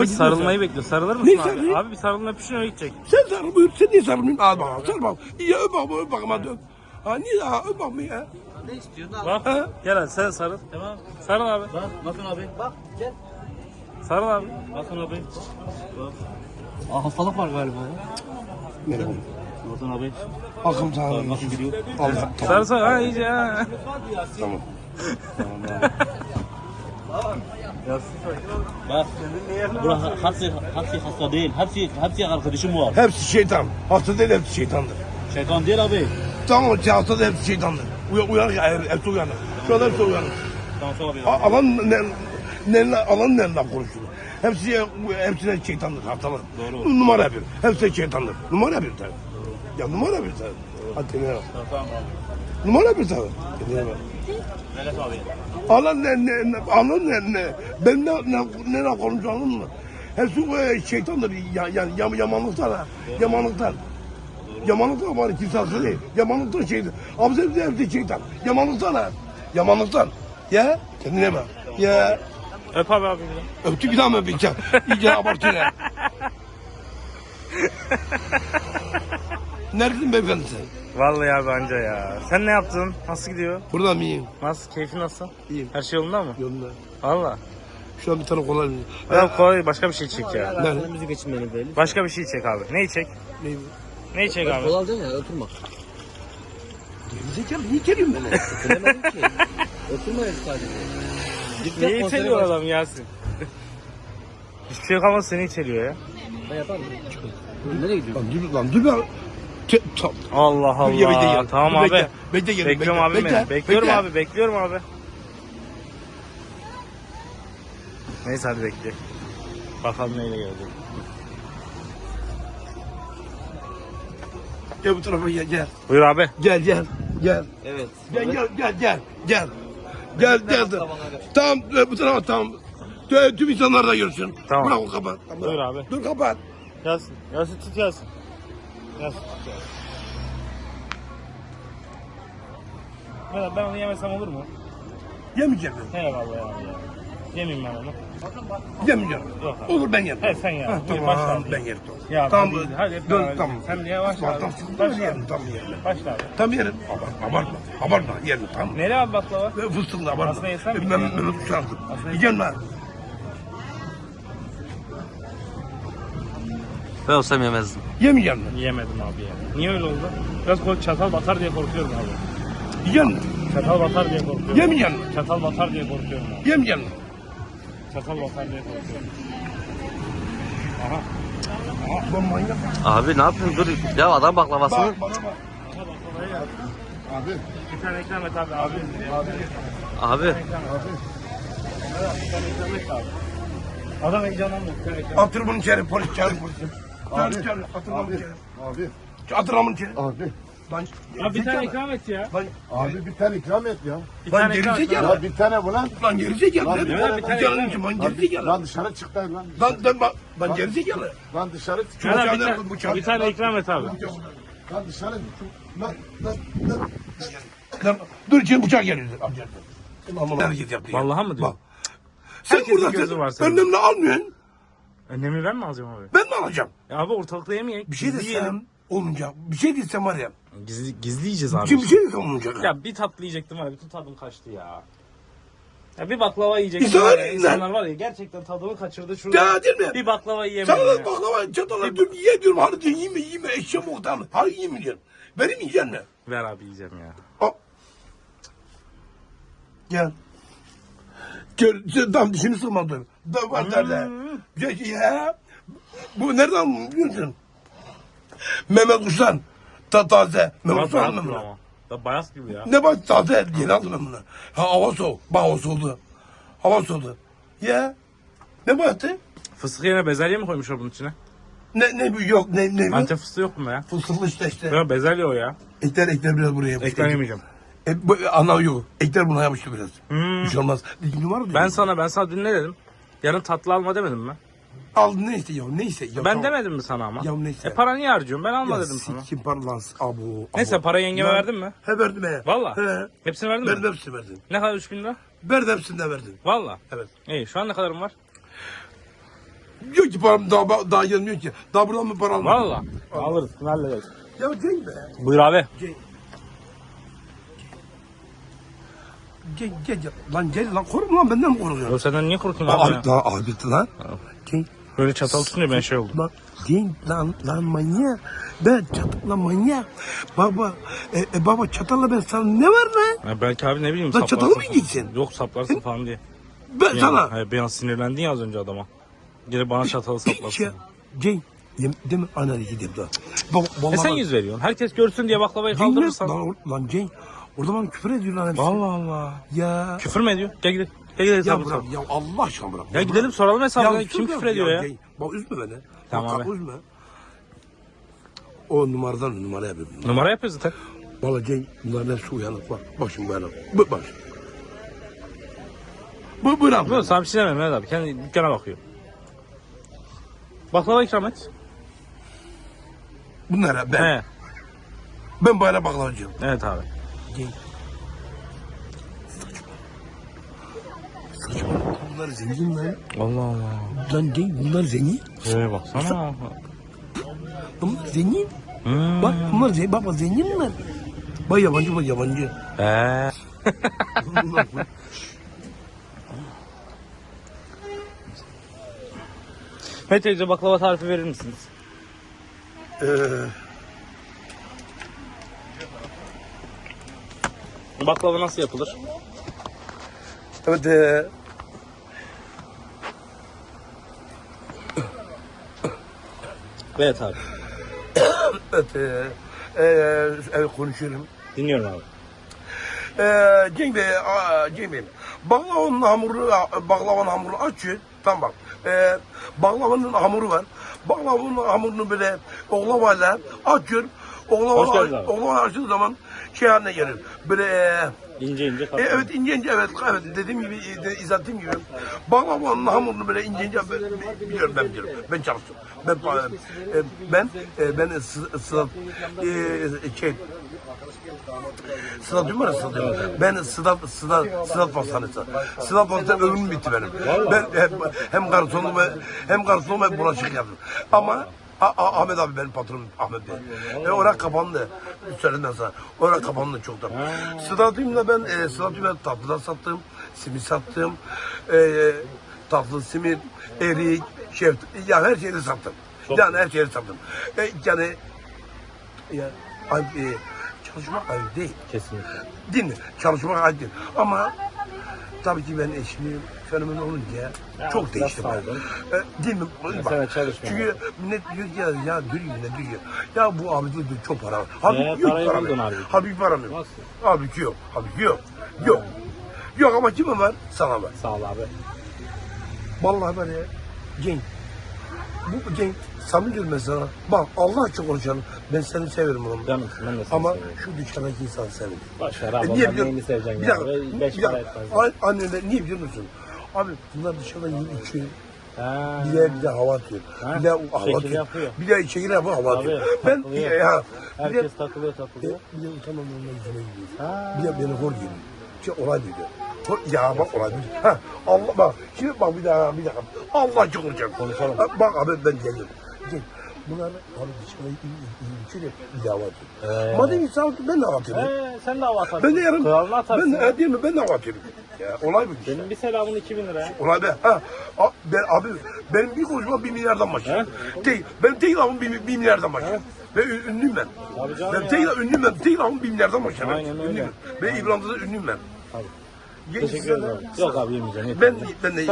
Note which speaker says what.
Speaker 1: Sarılmayı bekliyor. Sarılır mısın
Speaker 2: Ne
Speaker 1: abi?
Speaker 2: sarılayım?
Speaker 1: Abi bir sarılın öpüşün öyle gidecek.
Speaker 2: Sen sarıl buyur. Sen niye sarılmıyorsun? Al bakalım. Sarıl bakalım. İyi öp bakalım. Öp bakalım hadi öp. Ha niye daha öp bakalım ya?
Speaker 3: Ne istiyorsun abi?
Speaker 1: Bak
Speaker 2: Ha?
Speaker 1: gel hadi sen sarıl.
Speaker 3: Tamam.
Speaker 1: Sarıl abi.
Speaker 3: Bak bakın abi. Bak gel.
Speaker 1: Sarıl abi.
Speaker 3: Bakın abi. Bak. Aa hastalık var galiba ya.
Speaker 2: Merhaba.
Speaker 3: Bakın abi.
Speaker 2: Akım sana.
Speaker 3: Bakın gidiyor.
Speaker 2: Allah tamam.
Speaker 1: Sarıl sarıl. Ha iyice ha.
Speaker 2: Tamam.
Speaker 3: Bak. Burası hepsi hasta değil. Hepsi arkadaşım var.
Speaker 2: Hepsi şeytan. Hasta değil hepsi şeytandır.
Speaker 3: Şeytan değil abi.
Speaker 2: Tamam hasta değil hepsi şeytandır. Uyanık hepsi uyanık. Şu anda hepsi uyanık.
Speaker 3: Tamam sonra abi.
Speaker 2: Alan nereden konuşuyor? Hepsine şeytandır hastalar.
Speaker 3: Doğru.
Speaker 2: Numara bir. Hepsi şeytandır. Numara bir tabii. Ya numara bir tabii. Hadi ne yap?
Speaker 3: Tamam abi.
Speaker 2: Numara bir tabii. Ne yap?
Speaker 3: Melek abi.
Speaker 2: Alan ne? Ben ne konuşuyorum mı? Hepsi şeytandır. Yani yamanlıktan ha. Yamanlıktan. Yamanlıktan var kimse haklı değil. Yamanlıktan şeydir. Abi hepsi şeytan. Yamanlıktan ha. Yamanlıktan. Ya kendine bak. Ya
Speaker 1: Öp abi abi.
Speaker 2: öptü bir daha mı öpeceğim? İyice abartıyor ya. Neredesin beyefendi sen?
Speaker 1: Vallahi abi anca ya. Sen ne yaptın? Nasıl gidiyor?
Speaker 2: Burada mıyım?
Speaker 1: Nasıl? Keyfin nasıl?
Speaker 2: İyiyim.
Speaker 1: Her şey yolunda mı?
Speaker 2: Yolunda.
Speaker 1: Valla.
Speaker 2: Şu an bir tane kolay mı?
Speaker 1: Ya kolay başka bir şey çek ya.
Speaker 2: Nerede?
Speaker 3: Müzik geçinmeni belli.
Speaker 1: Başka bir şey çek abi. Neyi çek?
Speaker 2: Ne?
Speaker 1: Neyi çek abi?
Speaker 3: Kol alacaksın ya oturma.
Speaker 2: Gerizekalı niye geliyorsun bana?
Speaker 3: Bilemedim ki. Oturma ya sadece. Git
Speaker 1: Niye
Speaker 3: yap, konsere
Speaker 1: iteliyor
Speaker 3: bak.
Speaker 1: adam Yasin? Hiçbir şey yok ama seni iteliyor ya.
Speaker 3: Ben yaparım. Nereye gidiyorsun?
Speaker 2: Lan dur lan.
Speaker 1: Allah
Speaker 2: Dur, ya, bekle,
Speaker 1: Allah.
Speaker 2: gel.
Speaker 1: Tamam
Speaker 2: Dur,
Speaker 1: abi.
Speaker 2: bekle. Bekle, gel,
Speaker 1: Bekliyorum
Speaker 2: bekle,
Speaker 1: abi
Speaker 2: bekle,
Speaker 1: beni. Bekliyorum
Speaker 2: bekle.
Speaker 1: abi. Bekliyorum abi. Neyse hadi bekle. Bakalım neyle gelecek.
Speaker 2: Gel bu tarafa gel.
Speaker 1: Buyur abi.
Speaker 2: Gel.
Speaker 3: Evet.
Speaker 2: Gel. Tamam bu tarafa tamam. Tüm insanlar da görsün.
Speaker 1: Tamam.
Speaker 2: Bırak o kapat. Tamam.
Speaker 1: Buyur abi.
Speaker 2: Dur kapat.
Speaker 1: Yasin. Yasin tut Yasin. Yasin tut Yasin. Ben onu yemesem olur mu?
Speaker 2: Yemeyeceğim ben.
Speaker 1: He vallahi abi ya. Yemeyeyim ben onu.
Speaker 2: Yemeyeceğim.
Speaker 1: Yok abi.
Speaker 2: Olur ben yerim.
Speaker 1: He sen ye.
Speaker 2: Ha,
Speaker 1: Buyur,
Speaker 2: tamam
Speaker 1: başla.
Speaker 2: ben yerim.
Speaker 1: Ya
Speaker 2: Tamam.
Speaker 1: hadi hep
Speaker 2: Dur
Speaker 1: beraber
Speaker 2: tamam.
Speaker 1: yiyelim. Sen niye başla abi?
Speaker 2: Tamam sıkıntı
Speaker 1: Başla
Speaker 2: yerim.
Speaker 1: abi.
Speaker 2: Tamam yerim.
Speaker 1: Başla abi.
Speaker 2: Tamam yerim. Abartma yerim tamam.
Speaker 1: Neli abi baklava?
Speaker 2: Fıstıklı abartma.
Speaker 1: Aslında yesem mi?
Speaker 2: Ben kuşandım.
Speaker 1: Aslında
Speaker 2: Yiyeceğim lan.
Speaker 4: Ben olsam yemezdim.
Speaker 2: Yemeyeceğim lan.
Speaker 1: Yiyemedim abi ya. Niye öyle oldu? Biraz çatal batar diye korkuyorum abi.
Speaker 2: Yiyeceğim lan.
Speaker 1: Çatal batar diye korkuyorum.
Speaker 2: Yemeyeceğim lan.
Speaker 1: Çatal batar diye korkuyorum abi.
Speaker 2: Yemeyeceğim lan.
Speaker 1: Çatal batar diye korkuyorum.
Speaker 2: Ben manyak.
Speaker 4: Abi ne yapıyorsun? Dur. Ya adam baklavasını.
Speaker 2: Bana bak.
Speaker 1: Aha baklavaya gel.
Speaker 2: Abi.
Speaker 1: Bir tane ikram et abi. Abi.
Speaker 4: Abi.
Speaker 1: Bir tane ikram et abi. Adam heyecanlandı. Bir tane ikram et.
Speaker 2: Atır bunu içeri polis çağır polisi. Çağır atır bunu içeri.
Speaker 5: Abi,
Speaker 2: Atır bunu içeri.
Speaker 5: abi,
Speaker 2: Lan
Speaker 1: Ya bir tane ikram et ya.
Speaker 5: abi bir tane ikram et ya.
Speaker 1: Bir
Speaker 2: Lan
Speaker 1: tane ikram et.
Speaker 2: gerizekalı.
Speaker 5: Ya bir tane bu lan.
Speaker 2: Lan gerizekalı.
Speaker 5: Lan
Speaker 2: Lan
Speaker 5: bir
Speaker 1: tane- bir tane
Speaker 2: canın
Speaker 1: ikram
Speaker 2: için lan
Speaker 5: Lan,
Speaker 2: gerizekalı.
Speaker 5: lan dışarı çık lan.
Speaker 2: Lan gerizekalı.
Speaker 5: Lan dışarı çık.
Speaker 1: Yana
Speaker 2: Bıçağı
Speaker 1: bir
Speaker 2: nerede,
Speaker 1: tane,
Speaker 2: bıçağı?
Speaker 1: bir tane ikram et abi.
Speaker 5: Lan dışarı
Speaker 2: Lan. Lan. Dur içeri bıçak geliyor. Amca. Ne hareket yaptı ya?
Speaker 1: Vallahi mı diyor?
Speaker 2: Bak. Sen
Speaker 1: Herkesin gözü var
Speaker 2: burada
Speaker 1: senin.
Speaker 2: önlemle almıyorsun.
Speaker 1: Önlemini ben mi alacağım abi?
Speaker 2: Ben mi alacağım?
Speaker 1: Ya abi ortalıkta yemeyek.
Speaker 2: Bir şey desem olmayacak. Bir şey desem var ya.
Speaker 1: Gizli yiyeceğiz abi.
Speaker 2: Kim bir şey desem olmayacak.
Speaker 1: Ya bir tatlı yiyecektim var ya bütün tadım kaçtı ya. Ya bir baklava yiyecektim
Speaker 2: İnsanlar
Speaker 1: var ya,
Speaker 2: yüzünden.
Speaker 1: insanlar var ya gerçekten tadımı kaçırdı şurada.
Speaker 2: Ya değil mi?
Speaker 1: Bir baklava yiyemedim
Speaker 2: Sana
Speaker 1: ya.
Speaker 2: da baklava çatala diyorum ye diyorum. Hadi diyorum yeme eşeğim muhtemelen. Hadi yeme diyorum. Benim yiyeceksin ne?
Speaker 1: Ver abi yiyeceğim ya.
Speaker 2: Al. Gel. Gel. Tam dişini sıkmadım. Da var nerede? Ya. Bu nereden biliyorsun? Mehmet Kuşlan. Taze. Mehmet
Speaker 1: Biraz
Speaker 2: Kuşlan
Speaker 1: bayat
Speaker 2: mı
Speaker 1: gibi
Speaker 2: bunu?
Speaker 1: ama. Da bayat gibi ya.
Speaker 2: Ne bak taze. Yeni aldım ben bunu. Ha hava soğuk. Bak hava soğudu. Hava soğudu. Ya. Ne baktı?
Speaker 1: Fıstık yerine bezelye mi koymuşlar bunun içine?
Speaker 2: Ne bu yok ne bu?
Speaker 1: Antep fıstığı yok mu ya?
Speaker 2: Fıstıklı işte.
Speaker 1: Ya bezelye o ya.
Speaker 2: Ekler biraz buraya yapıştı.
Speaker 1: Ekler yemeyeceğim.
Speaker 2: Bu ana yok. Ekler buna yapıştı biraz.
Speaker 1: Hmm.
Speaker 2: Bir şey olmaz. Dikim var mı?
Speaker 1: Ben sana dün ne dedim? Yarın tatlı alma demedim mi?
Speaker 2: Aldın neyse ya neyse. Ya,
Speaker 1: Ben
Speaker 2: tamam.
Speaker 1: demedim mi sana ama?
Speaker 2: Ya neyse.
Speaker 1: Para niye harcıyorum? Ben alma
Speaker 2: Ya
Speaker 1: dedim sana.
Speaker 2: sikim parlans abu.
Speaker 1: Neyse para yengeme
Speaker 2: Ya.
Speaker 1: verdin mi?
Speaker 2: He verdim he.
Speaker 1: Valla.
Speaker 2: He.
Speaker 1: Hepsini verdin
Speaker 2: Ben
Speaker 1: mi?
Speaker 2: hepsini verdim.
Speaker 1: Ne kadar 3000 lira?
Speaker 2: Verdim hepsini de verdim.
Speaker 1: Valla.
Speaker 2: Evet.
Speaker 1: İyi şu an ne kadarım var?
Speaker 2: Diyor ki param daha gelmiyor ki. Daha buradan mı para almıyor?
Speaker 3: Valla. Alırız. Hallederiz.
Speaker 2: Ya Cenk be.
Speaker 3: Buyur abi.
Speaker 2: Gel. Lan gel lan korkma lan benden mi korkuyorsun?
Speaker 3: Ya senden niye korkuyorsun abi ya?
Speaker 2: Abi lan. Cenk.
Speaker 3: Böyle çatal tutunca ben şey oldum.
Speaker 2: Lan Cenk lan manyak. Ben çatalla manyak. Baba baba çatalla ben sana ne var lan?
Speaker 3: Ya belki abi ne bileyim
Speaker 2: Lan çatalı mı
Speaker 3: falan.
Speaker 2: yiyeceksin?
Speaker 3: Yok saplarsın falan diye.
Speaker 2: Ben sana.
Speaker 3: Hayır, bir an sinirlendin ya az önce adama. Geri bana çatalı saplarsın.
Speaker 2: Cenk. Değil mi? Ananı gideyim daha.
Speaker 3: Sen yüz veriyorsun. Herkes görsün diye baklavayı kaldırırsan.
Speaker 2: Lan Cenk. Orada bana küfür ediyor lan hepsi.
Speaker 3: Allah Allah.
Speaker 2: Ya.
Speaker 3: Küfür mü ediyor? Gel gidelim. Gel gidelim
Speaker 2: Ya
Speaker 3: hesabı
Speaker 2: bırak
Speaker 3: soralım.
Speaker 2: ya Allah aşkına bırak.
Speaker 3: Ya gidelim soralım hesabını. Kim
Speaker 2: sus
Speaker 3: küfür ediyor ya?
Speaker 2: Cenk, bak üzme beni.
Speaker 3: Tamam
Speaker 2: Bak,
Speaker 3: abi.
Speaker 2: üzme. O numara yapıyorum.
Speaker 3: Numara yapıyoruz zaten.
Speaker 2: Valla Cenk bunların hepsi uyanık bak. Bak şimdi uyanık. Bak. Bırak.
Speaker 3: Yok sana bir şey demem Mehmet abi. Kendi dükkana bakıyor. Baklava ikram et.
Speaker 2: Bunlara ben.
Speaker 3: He.
Speaker 2: Ben bayrağı baklavacıyım.
Speaker 3: Evet abi.
Speaker 2: Cenk. Saçma. Bunlar zengin lan.
Speaker 3: Allah Allah.
Speaker 2: Lan Cenk bunlar zengin.
Speaker 3: Baksana.
Speaker 2: Bunlar zengin.
Speaker 3: Hmm.
Speaker 2: Bak bunlar zengin. Bak zengin mi? Bak yabancı.
Speaker 3: He. Mehmet teyze baklava tarifi verir misiniz? Baklava nasıl yapılır?
Speaker 2: Evet.
Speaker 3: Evet abi.
Speaker 2: Evet konuşuyorum.
Speaker 3: Dinliyorum abi.
Speaker 2: Cenk Bey, baklavanın hamurunu açıyor. Tamam bak. Baklavanın hamuru var. Baklavanın hamurunu böyle oklavayla açıyor.
Speaker 3: Hoş geldin abi.
Speaker 2: Oklava açtığı zaman şey haline gelir. Böyle
Speaker 3: İnce ince katlı.
Speaker 2: evet ince evet dediğim gibi izah ettiğim gibi baklavanın hamurunu böyle ince biliyorum. Ben çalıştım. Ben Sıdat değil mi? Ben Sıdat Pastanesi. Sıdat Pastanesi ömrüm bitti benim. Ben hem garsonum hem bulaşık yaptım. Ama Ahmet abi benim patronum Ahmet Bey. Orası kapandı. Söylediğimden sonra. Orası kapandı çoktan. Sıdat'ımla ben tatlıdan sattım. Simit sattım. Tatlı simit, erik, yani her şeyi sattım. Yani her şeyi sattım. Yani çalışmak ayıp değil.
Speaker 3: Kesinlikle.
Speaker 2: Değil mi? Çalışmak ayıp değil. Ama tabii ki ben eşimi fenomen olunca çok değiştim. Değil mi? Bak, çünkü millet diyor ki ya dürüyor ne dürüyor. Ya bu abi diyor çok para var. Halbuki yok param yok. Halbuki param yok. Halbuki yok. Yok ama kime var? Sana var.
Speaker 3: Sağ ol abi.
Speaker 2: Vallahi var ya. Cenk. Bu Cenk. Samimi diyorum ben sana. Bak Allah için konuşalım. Ben seni severim oğlum.
Speaker 3: Canım ben de seni
Speaker 2: Ama
Speaker 3: seviyorum.
Speaker 2: şu dükkandaki insanı severim.
Speaker 3: Başar abi
Speaker 2: Niye
Speaker 3: ondan
Speaker 2: biliyor
Speaker 3: neyini seveceksin
Speaker 2: Bir
Speaker 3: ya?
Speaker 2: dakika.
Speaker 3: 5
Speaker 2: Bir
Speaker 3: para
Speaker 2: dakika.
Speaker 3: etmez.
Speaker 2: Anneler niye biliyor musun? Abi bunlar dışarıda yiyip içiyor.
Speaker 3: Ha.
Speaker 2: Bir de hava atıyor.
Speaker 3: Ha,
Speaker 2: Bir de hava
Speaker 3: şekil
Speaker 2: atıyor.
Speaker 3: yapıyor.
Speaker 2: Bir de şekil yapıyor hava atıyor.
Speaker 3: Tabii,
Speaker 2: Ben
Speaker 3: takılıyor.
Speaker 2: bir de
Speaker 3: Herkes takılıyor.
Speaker 2: bir de utanmam onunla yüzüme gidiyor.
Speaker 3: Ha.
Speaker 2: Bir de beni hor geliyor. Olay biliyor. Ya bak olay biliyor. Ha Allah bak. Şimdi bak bir dakika. Allah çok konuşacağım.
Speaker 3: Konuşalım.
Speaker 2: Bak abi ben geliyorum. Gel. Bunlar abi dışarıda içiyor bir de hava atıyor. Madem insan ben de hava atıyorum.
Speaker 3: Sen de hava atarsın.
Speaker 2: Ben de yarın
Speaker 3: Kralını atarsın.
Speaker 2: değil mi? Ben de hava atıyorum. Ya olay bu.
Speaker 3: Benim bir selamın 2000 lira ya.
Speaker 2: Olay be. Benim bir konuşma 1 milyardan başlıyor. Benim tek lafım 1 milyardan başlıyor. Ve ünlüyüm ben.
Speaker 3: Tabii canım
Speaker 2: Ben
Speaker 3: ya.
Speaker 2: tek lafım 1 milyardan başlıyor.
Speaker 3: Aynen öyle.
Speaker 2: Ünlüyüm. Ve İbrahim'de de ünlüyüm ben.
Speaker 3: Tabii.
Speaker 2: Genç
Speaker 3: Teşekkür
Speaker 2: insanlar-
Speaker 3: ederim. Yok abi yemeyeceğim.
Speaker 2: Ben de